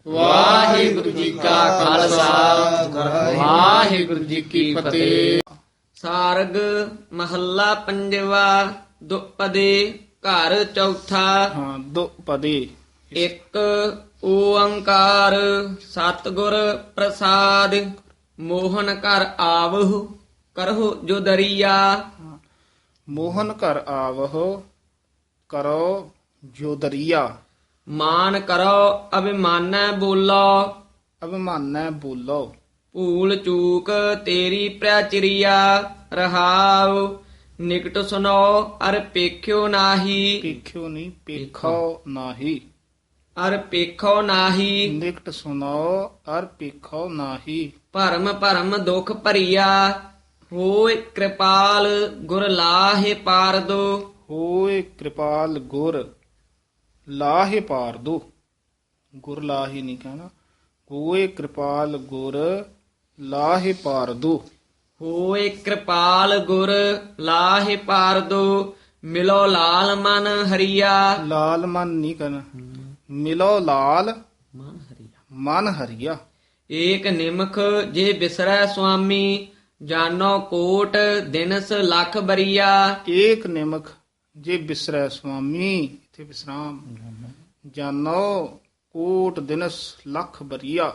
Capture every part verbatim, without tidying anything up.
ਵਾਹਿਗੁਰੂ ਜੀ ਕਾ ਖਾਲਸਾ ਵਾਹਿਗੁਰੂ ਜੀ ਕੀ ਫਤਿਹ। ਸਾਰਗ ਮਹੱਲਾ ਪੰਜਵਾ ਦੁਪਦੇ ਘਰ ਚੌਥਾ। ਹਾਂ ਦੋ ਪਦੇ ਇੱਕ ਓੰਕਾਰ ਸਤਿਗੁਰ ਪ੍ਰਸਾਦ ਮੋਹਨ ਘਰ ਆਵਹੁ ਕਰਹੁ ਜੋ ਦਰੀਆ। ਮੋਹਨ ਘਰ ਆਵਹੁ ਕਰੋ ਜੋ ਦਰੀਆ। ਮਾਨ ਕਰੋ ਅਭਿਮਾਨੈ ਬੋਲੋ ਅਭਿਮਾਨੈ ਬੋਲੋ। ਭੂਲ ਚੂਕ ਤੇਰੀ ਪ੍ਰਚਰੀਆ ਰਹਾਉ ਨਿਕਟ ਸੁਨੋ ਅਰ ਪੇਖਿਓ ਨਾਹੀ। ਪੇਖਿਓ ਨਹੀਂ ਪੇਖੋ ਨਾਹੀ। ਅਰ ਪੇਖੋ ਨਾਹੀ ਨਿਕਟ ਸੁਨੋ ਅਰ ਪੇਖੋ ਨਾਹੀ। ਭਰਮ ਭਰਮ ਦੁਖ ਭਰੀਆ ਹੋਇ ਕਿਰਪਾਲ ਗੁਰ ਲਾਹੇ ਪਾਰ ਦੋ। ਹੋਏ ਕਿਰਪਾਲ ਗੁਰ ਲਾਹੇ ਪਾਰ ਦੋ। ਗੁਰ ਲਾਹੇ ਨਹੀਂ ਕਹਿਣਾ। ਹੋਏ ਕਿਰਪਾਲ ਗੁਰ ਲਾਹੇ ਪਾਰ ਦੋ। ਹੋਇ ਕਿਰਪਾਲ ਗੁਰ ਲਾਹੇ ਪਾਰ ਦੋ। ਮਿਲੋ ਲਾਲ ਮਨ ਹਰੀਆ। ਲਾਲ ਮਨ ਨਹੀਂ ਕਹਿਣਾ। ਮਿਲੋ ਲਾਲ ਮਨ ਹਰੀਆ। ਏਕ ਨਿਮਖ ਜੇ ਬਿਸਰੈ ਸੁਆਮੀ ਜਾਨੋ ਕੋਟ ਦਿਨਸ ਲੱਖ ਬਰੀਆ। ਏਕ ਨਿਮਖ ਜੇ ਬਿਸਰੈ ਸੁਆਮੀ ਇਥੇ ਵਿਸਰਾਮ ਜਾਨੋ ਕੋਟ ਦਿਨਸ ਲੱਖ ਬਰੀਆ।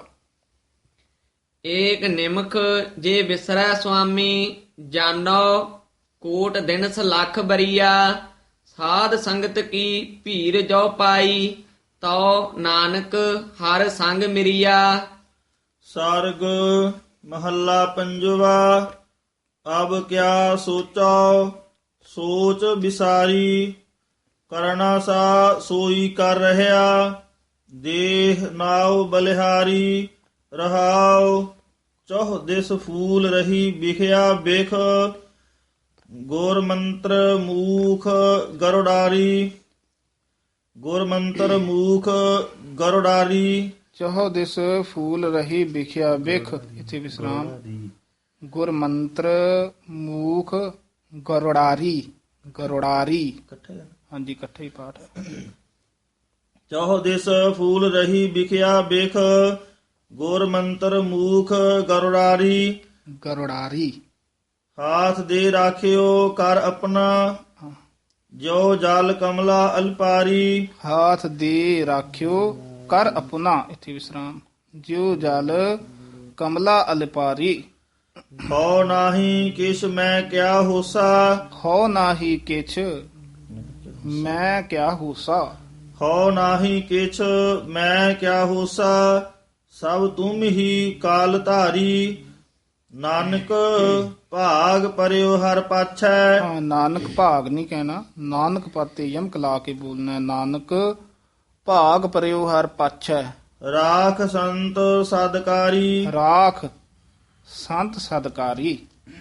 ਏਕ ਨਿਮਖ ਜੇ ਬਿਸਰੈ ਸੁਆਮੀ ਜਾਨੋ ਕੋਟ ਦਿਨਸ ਲੱਖ ਬਰੀਆ। ਸਾਧ ਸੰਗਤ ਕੀ ਭੀਰ ਜੋ ਪਾਈ ਤਉ ਨਾਨਕ ਹਰ ਸੰਗ ਮਿਰਿਆ। ਸਾਰਗ ਮਹੱਲਾ ਪੰਜਵਾ। ਅਬ ਕਿਆ ਸੋਚੋ ਸੋਚ ਵਿਸਾਰੀ ਕਰਨਾ ਸਾ ਸੋਈ ਕਰ ਰਹਿਆ। ਦੇਹ ਨਾਉ ਬਲਿਹਾਰੀ ਰਹਾਉ ਚੌਹ ਦਿਸ ਫੂਲ ਰਹੀ ਵਿਖਿਆ ਬਿਖ। ਗੁਰ ਮੰਤਰ ਮੂਖ ਗਰੁਡਾਰੀ ਗੁਰ ਮੰਤਰ ਮੂਖ ਗਰੁਡਾਰੀ। ਚਹੁ ਦਿਸ ਫੂਲ ਰਹੀ ਵਿਖਿਆ ਬਿਖ ਇਥੇ ਵਿਸਰਾਮ। ਗੁਰ ਮੰਤਰ ਮੂਖ ਗਰੁੜਾਰੀ ਗਰੁੜਾਰੀ ਹਾਂਜੀ ਇਕੱਠੇ ਹੀ ਪਾਠ ਹੈ। ਚੌਹ ਦਿਸ ਫੂਲ ਰਹੀ ਵਿਖਿਆ ਬਿਖ ਗੁਰ ਮੰਤਰ ਮੂਖ ਗਰੁੜਾਰੀ। ਗਰੁੜਾਰੀ ਹਾਥ ਦੇ ਰਾਖਿਓ ਕਰ ਆਪਣਾ ਜੋ ਜਲ ਕਮਲਾ ਅਲਪਾਰੀ। ਹਾਥ ਦੇ ਰਾਖਿਓ ਕਰ ਆਪਣਾ ਇਥੇ ਵਿਸਰਾਮ। ਜਿਉ ਜਲ ਕਮਲਾ ਅਲਪਾਰੀ। ਹੋ ਨਾਹੀ ਕਿਛ ਮੈਂ ਕਿਆ ਹੋਸਾ। ਹੋ ਨਾਹੀ ਕਿਛ ਮੈਂ ਕਿਆ ਹੋਸਾ। ਹੋ ਨਾਹੀ ਕਿਛ ਮੈਂ ਕਿਆ ਹੋਸਾ ਸਭ ਤੁਮ ਹੀ ਕਾਲ ਧਾਰੀ। ਨਾਨਕ ਭਾਗ ਪਰਿਓ ਹਰ ਪਾਛੈ। ਹਾਂ, ਨਾਨਕ ਭਾਗ ਨਹੀਂ ਕਹਿਣਾ। ਨਾਨਕ ਪਾਤੇ ਯਮਕ ਲਾ ਕੇ ਬੋਲਣਾ ਹੈ। ਨਾਨਕ ਭਾਗ ਪਰਿਓ ਹਰ ਪਾਛੈ। ਰਾਖ ਸੰਤ ਸਦਕਾਰੀ ਰਾਖ ਸੰਤ ਸਦਕਾਰੀ।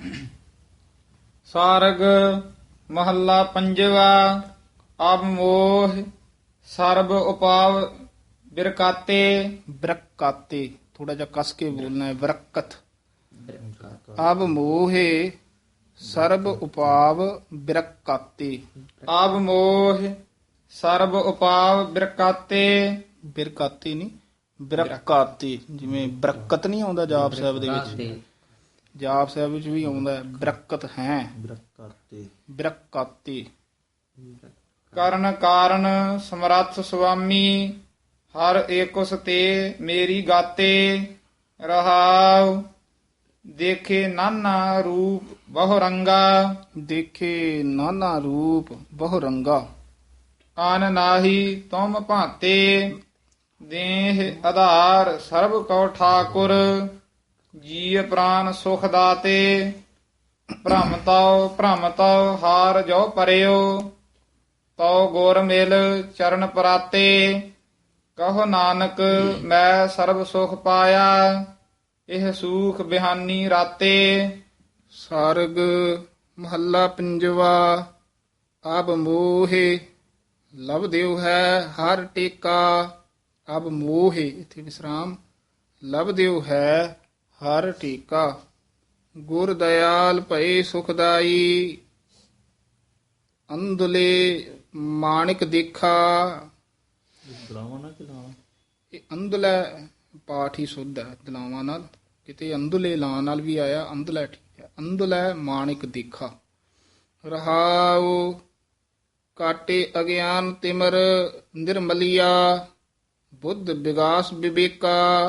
ਸਾਰਗ ਮਹੱਲਾ ਪੰਜਵਾ। ਅਬ ਮੋਹ ਸਰਬ ਉਪਾਵ ਬਿਰਕਾਤੇ। ਬਰਕਾਤੇ ਥੋੜਾ ਜਿਹਾ ਕਸ ਕੇ ਬੋਲਣਾ ਹੈ। ਬਰਕਤ। ਅਬ ਮੋਹੇ ਸਰਬ ਉਪਾਵ ਬਿਰਕਾਤੇ। ਅਬ ਮੋਹ ਸਰਬ ਉਪਾਵ ਬਿਰਕਾਤੇ। ਬਿਰਕਾਤੇ ਨਹੀਂ ਬਿਰਕਾਤੇ। ਜਿਵੇਂ ਬਰਕਤ ਨਹੀਂ ਆਉਂਦਾ ਜਾਪ ਸਾਹਿਬ ਦੇ ਵਿੱਚ। ਜਾਪ ਸਾਹਿਬ ਵਿੱਚ ਵੀ ਆਉਂਦਾ ਹੈ ਬਰਕਤ ਹੈ। ਬਿਰਕਾਤੇ। ਕਰਨ ਕਾਰਨ ਸਮਰੱਥ ਸੁਆਮੀ ਹਰ ਏਕੁਸ ਤੇ ਮੇਰੀ ਗਾਤੇ। ਰਹਾਉ ਦੇਖੇ ਨਾਨਾ ਰੂਪ ਬਹੁ ਰੰਗਾ। ਦੇਖੇ ਨਾਨਾ ਰੂਪ ਬਹੁ ਰੰਗਾ। ਆਨ ਨਾਹੀ ਤੁਮ ਭਾਂਤੇ ਦੇਹ ਆਧਾਰ ਸਰਬ ਕਉ ਠਾਕੁਰ। ਜੀਅ ਪ੍ਰਾਨ ਸੁਖ ਦਾਤੇ ਭ੍ਰਮ ਤਉ ਭ੍ਰਮ ਤਉ ਹਾਰ ਜੋ ਪਰਿਓ। ਤਉ ਗੁਰ ਮਿਲ ਚਰਨ ਪਰਾਤੇ ਕਹੋ ਨਾਨਕ ਮੈਂ ਸਰਬ ਸੁਖ ਪਾਇਆ। ਇਹ ਸੂਖ ਬਿਹਾਨੀ ਰਾਤੇ। ਸਾਰਗ ਮਹੱਲਾ ਪੰਜਵਾ। ਅਬ ਮੋਹੇ ਲਭ ਦਿਓ ਹੈ ਹਰ ਟੇਕਾ। ਅਬ ਮੋਹੇ ਇਥੇ ਵਿਸਰਾਮ ਲਭ ਦਿਓ ਹੈ ਹਰ ਟੇਕਾ। ਗੁਰ ਦਇਆਲ ਭਏ ਸੁਖਦਾਈ ਅੰਦੁਲੇ ਮਾਣਿਕ ਦੇਖਾ। ਇਹ ਅੰਧਲੇ ਪਾਠ ਹੀ ਸੁੱਧ ਹੈ ਦਲਾਵਾਂ ਨਾਲ, ਕਿਤੇ ਅੰਧਲੇ ਲਾਂ ਨਾਲ ਵੀ ਆਇਆ, ਅੰਧਲੇ ਠੀਕ ਹੈ। ਅੰਧਲੇ ਮਾਣਿਕ ਦੇਖਾ। ਰਹਾਉ ਕਾਟੇ ਅਗਿਆਨ ਤਿਮਰ ਨਿਰਮਲਿਆ ਬੁੱਧ ਵਿਗਾਸ ਵਿਵੇਕਾ।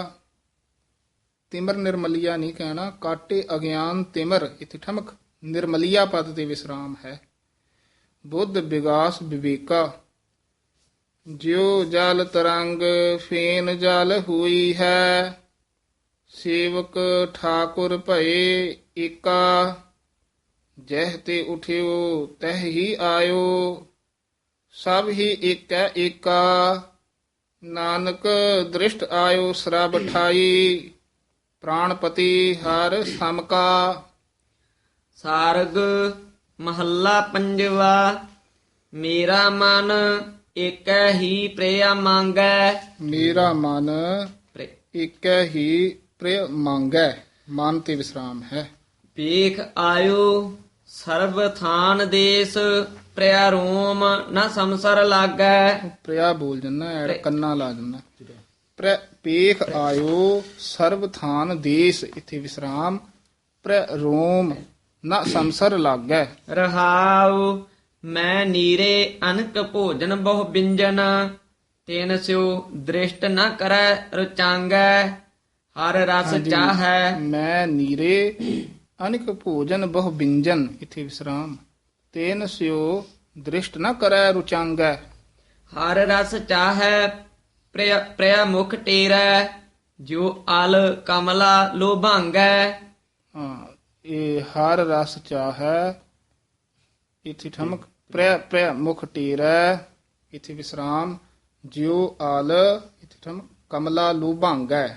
ਤਿਮਰ ਨਿਰਮਲਿਆ ਨਹੀਂ ਕਹਿਣਾ, ਕਾਟੇ ਅਗਿਆਨ ਤਿਮਰ, ਇੱਥੇ ਠਮਕ, ਨਿਰਮਲਿਆ ਪਦ ਤੇ ਵਿਸਰਾਮ ਹੈ। ਬੁੱਧ ਵਿਗਾਸ ਵਿਵੇਕਾ। ਜਿਉ ਜਲ ਤਰੰਗ ਫੇਨ ਜਲ ਹੋਈ ਹੈ, ਸੇਵਕ ਠਾਕੁਰ ਭਏ ਏਕਾ। ਜਹ ਤੇ ਉਠਿਓ ਤਹ ਹੀ ਆਇਓ, ਸਭ ਹੀ ਏਕੈ ਏਕਾ। ਨਾਨਕ ਦ੍ਰਿਸ਼ਟ ਆਇਓ ਸਰਬ ਠਾਈ, ਪ੍ਰਾਣਪਤੀ ਹਰ ਸਮਕਾ। ਸਾਰਗ ਮਹੱਲਾ ਪੰਜਵਾ। ਮੇਰਾ ਮਨ ਏਕੈ ਹੀ ਪ੍ਰਿਆ ਮੰਗੈ। ਮੇਰਾ ਮਨ ਪ੍ਰਿ- ਏਕੈ ਹੀ ਪ੍ਰਿਯ ਮੰਗੈ, ਮਨ ਤੇ ਵਿਸਰਾਮ ਹੈ। ਵੇਖ ਆਇਓ ਸਰਬ ਥਾਨ ਦੇਸ, ਪ੍ਰਿਆ ਰੋਮ ਨਾ ਸੰਸਰ ਲਾਗੈ। ਪ੍ਰਿਆ ਬੋਲ ਜੰਨਾ, ਐੜ ਕੰਨਾ ਲਾ ਜੰਨਾ। ਪ੍ਰ ਪੇਖ ਆਇਓ ਸਰਬ ਥਾਨ ਦੇਸ, ਇੱਥੇ ਵਿਸਰਾਮ। ਪ੍ਰ ਰੋਮ ਨਾ ਸੰਸਰ ਲਾਗੈ। ਰਹਾਉ ਮੈਂ ਨੀਰੇ ਅਨਕ ਭੋਜਨ ਬਹੁ ਬਿੰਜਨ, ਤੈਨ ਸਿਉ ਦ੍ਰਿਸ਼ਟ ਨ ਕਰੈ ਰੁਚਾਂਗੈ। ਹਰ ਰਸ ਚਾਹੈ ਮੈਂ ਨੀਰੇ ਅਨਿਕ ਭੋਜਨ ਬਹੁ ਬਿੰਜਨ, ਇੱਥੇ ਵਿਸਰਾਮ। ਤੇਨ ਸਿਓ ਦ੍ਰਿਸ਼ਟ ਨ ਕਰੈ ਰੁਚਾਂਗੈ। ਹਰ ਰਸ ਚਾਹੈ ਪ੍ਰਿਆ ਪ੍ਰਿਆ ਮੁਖ ਟੇਰੈ, ਜੋ ਅਲ ਕਮਲਾ ਲੋਭਾਂਗੈ। ਹਾਂ, ਇਹ ਹਰ ਰਸ ਚਾਹੈ, ਇੱਥੇ ਠਮਕ। ਪ੍ਰਿਆ ਪ੍ਰਿਆ ਮੁਖ ਟੇਰੈ, ਇੱਥੇ ਵਿਸਰਾਮ। ਜਿਉ ਆਲ, ਇੱਥੇ ਠਮਕ, ਕਮਲਾ ਲੋਭਾਂਗੈ।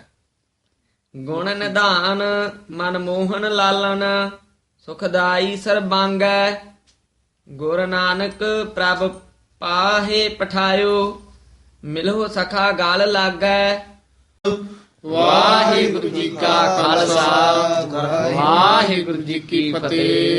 ਗੁਣ ਨਿਧਾਨ ਮਨ ਮੋਹਨ ਲਾਲਨ, ਸੁਖਦਾਈ ਸਰਬਾਂਗੈ। ਗੁਰ ਨਾਨਕ ਪ੍ਰਭ ਪਾਹੇ ਪਠਾਇਓ, ਮਿਲੋ ਸਖਾ ਗਲ ਲਾਗੈ। ਵਾਹਿਗੁਰੂ ਜੀ ਕਾ ਖਾਲਸਾ, ਵਾਹਿਗੁਰੂ ਜੀ ਕੀ ਫਤਿਹ।